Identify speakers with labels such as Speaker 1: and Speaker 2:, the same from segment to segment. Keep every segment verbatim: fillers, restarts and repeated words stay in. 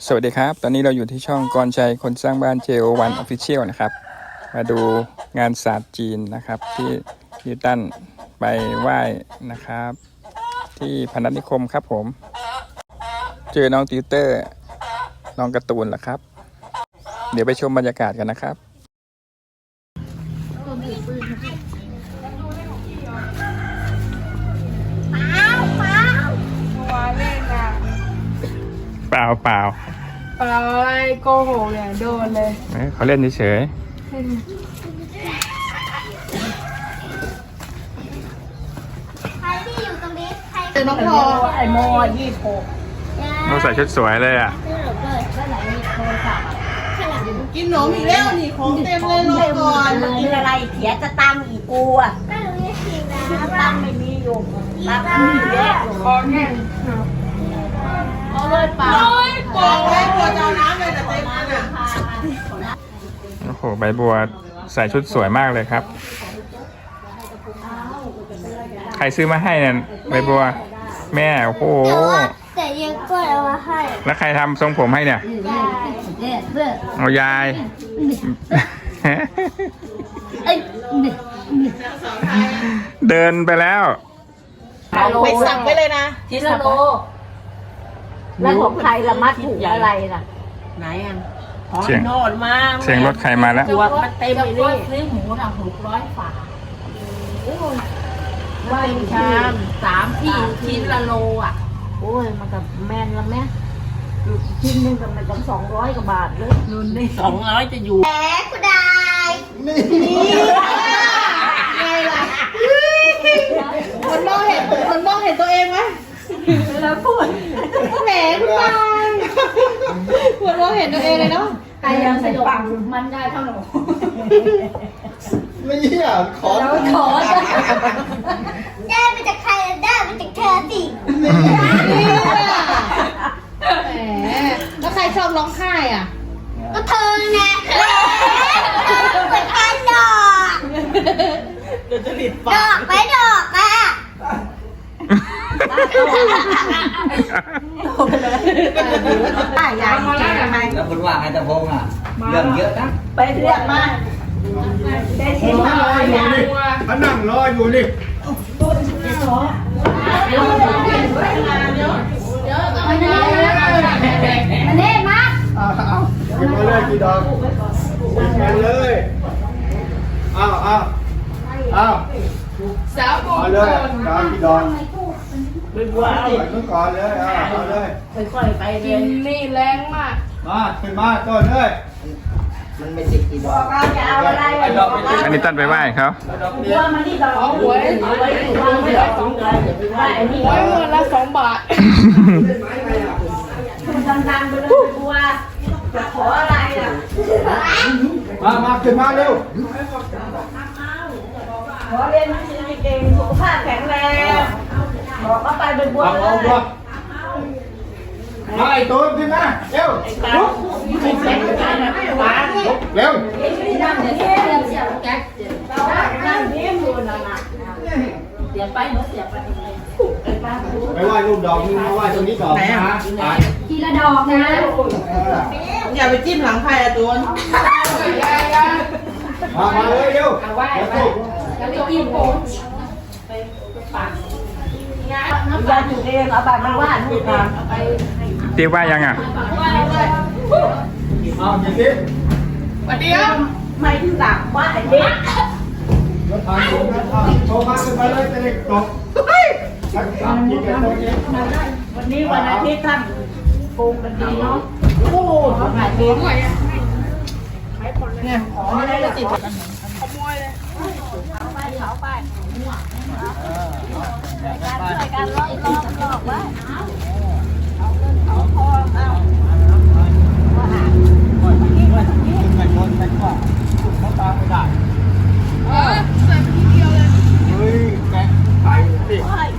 Speaker 1: สวัสดีครับตอนนี้เราอยู่ที่ช่องกรชัยคนสร้างบ้าน เจ โอ วัน Official นะครับมาดูงานศาสตร์จีนนะครับที่นิวตันไปไหว้นะครับที่พนัสนิคมครับผมเจอน้องติวเตอร์น้องการ์ตูนล่ะครับเดี๋ยวไปชมบรรยากาศกันนะครับเปล่าเปล่า
Speaker 2: เปล่าอะไรโกหกเนี่ยโดนเลย
Speaker 1: เขาเล่นเฉย
Speaker 3: ใครที่อยู่ตรงนี้ใคร
Speaker 2: เจอน้องพอไอโมยี่สิบหก
Speaker 1: โมใส่ชุดสวยเลยอ่ะ
Speaker 2: กินหนมอีกแล้วนี่ของเต็มเลยรอก่อน
Speaker 4: มีอะไรเสียจะตังอีกกูอ่ะ
Speaker 3: ก็รู้ว่าจริงนะ
Speaker 4: ตังไม่มีอยู่ตังไม่มีเยอะ
Speaker 2: ขอแค่เอาเลยเปล่าโกงไว้กลัวจะน้ำเลยแต่เต็มนั่นอ่ะ
Speaker 1: โอ้โหใบบัวใส่ชุดสวยมากเลยครับใครซื้อมาให้เนี่ยใบบัวแม่โอ้โห
Speaker 3: แต่ยังก็เอามาให้
Speaker 1: แล้วใครทำทรงผมให้เนี่ยเอายายเดินไปแล้ว
Speaker 2: ไปสั่งไปเลยนะ
Speaker 4: ทิสโลแล้วของใครละมัดถูกอะไรล่ะไหนอ่ะ
Speaker 1: เสียง
Speaker 4: โนดมา
Speaker 1: เสียงรถใครมาแล้ว
Speaker 4: ตัวมันเต็มเลยนี่ซื้อหมูทำหกร้อยฝาว่าเป็นชามสามที่ชิ้นละโลอ่ะโอ้ยมันกับแมนละแม่ชิ้นนึงกับมันต้องสองร้อยกว่าบาทเลยนุ่นได้สองร้อยจะอยู่
Speaker 3: แหมคุณได้
Speaker 2: นี่ไงล่ะคนมองเห็นคนมองเห็นตัวเองไหม
Speaker 4: แล้วพูด
Speaker 2: แหมคุณตายคนมองเห็นตัวเองเลยเนาะ
Speaker 4: ใครยังสยบมันได้เท่าหนู
Speaker 2: ไม่อยากขอ
Speaker 4: แล้วขอ
Speaker 3: ได้มาจากใครได้มาจากเธอสิ
Speaker 2: นี่แหมแล้วใครชอบร้องไห้อ่ะ
Speaker 3: ก็เธอไงเหมือนกันดอกดอกไปดอกอ่ะ
Speaker 4: ได้ยายทำไม
Speaker 5: แล้วคุณว่าไงตะพงอ่ะเรื่องเยอะนะ
Speaker 4: ไปเรียกมาได้ชิมมาเลย
Speaker 1: เขานั่งรออยู่นี่
Speaker 3: มันเน่มาก
Speaker 1: เอาเอามาเลยกี่ดอกกันเลยเอาเอาเอา
Speaker 2: สาวโบ
Speaker 1: เอาเลยดอกกี่ดอก
Speaker 4: เป็นบัวเอา
Speaker 1: ไปก่อนเลยเอาเอาเลย
Speaker 4: ค่อยๆไปเล
Speaker 2: กินนี่แรงมาก
Speaker 1: มาขึ้นมาก่อนเลย
Speaker 5: มันไม่ติดกี่ดอก
Speaker 4: เราจะเอาอะไร
Speaker 1: อันนี้ตั้นไปไหว้เขา
Speaker 4: บัวมันนี่ดอกหวยหวยถูกวางไว้สองเลยอย่าไปไหว้อันนี้
Speaker 2: หวยเงินละสองบาท
Speaker 4: คุณดังๆไปเลยบัวจะขออะไรอ่ะ
Speaker 1: มามาขึ้นมาเร็ว
Speaker 4: ขอเรียนหนังสือเก่งสุขภาพแข็งแรงบอกว่าไปเป็นบัวเลย
Speaker 1: มาไอ้ตูนขึ้นมาเร็วลุกเร็วไปไหว้รูปดอกนึงมาไหว้ตรงนี้ก่อนนะ
Speaker 3: ทีละดอกนะ
Speaker 2: อย่าไปจิ้มหลังใครอะตูน
Speaker 1: มามาเลยเร็ว
Speaker 3: ไหว้ไหว้แล้วไปจิ้มโผล่
Speaker 4: ยาจุดเองเอาบัตรมาว่าลูกกัน
Speaker 1: เตี้ยว่ายังอ่ะ
Speaker 2: เอาอย่างนี้วันเดียว
Speaker 4: ไม่ถึงหลักว่าไอ้เด็ก
Speaker 1: รถทางโชว์โชว์มาขึ้นไปเลยจะได้จบ
Speaker 4: วันนี้วันอาทิตย์ท่านปรุงกันดีเนาะโอ้ขายเอง
Speaker 2: เนี่ยของไม่ได้จะติดขโมยเลย
Speaker 4: เอาไปเอาไปช่วยกันลอกลอกลอกไว้เอาเงินเอาทองเอาว่าหาวันนี้วันนี้
Speaker 1: ไปโดนไปกว่าเขาตามไม่ได้
Speaker 2: เออใส่ไปทีเดียวเลย
Speaker 1: เฮ้ยแกไปสิ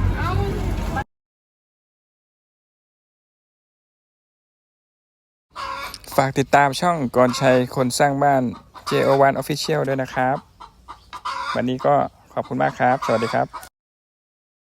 Speaker 1: ฝากติดตามช่องกรชัยคนสร้างบ้าน เจ โอ วัน Official ด้วยนะครับวันนี้ก็ขอบคุณมากครับสวัสดีครับ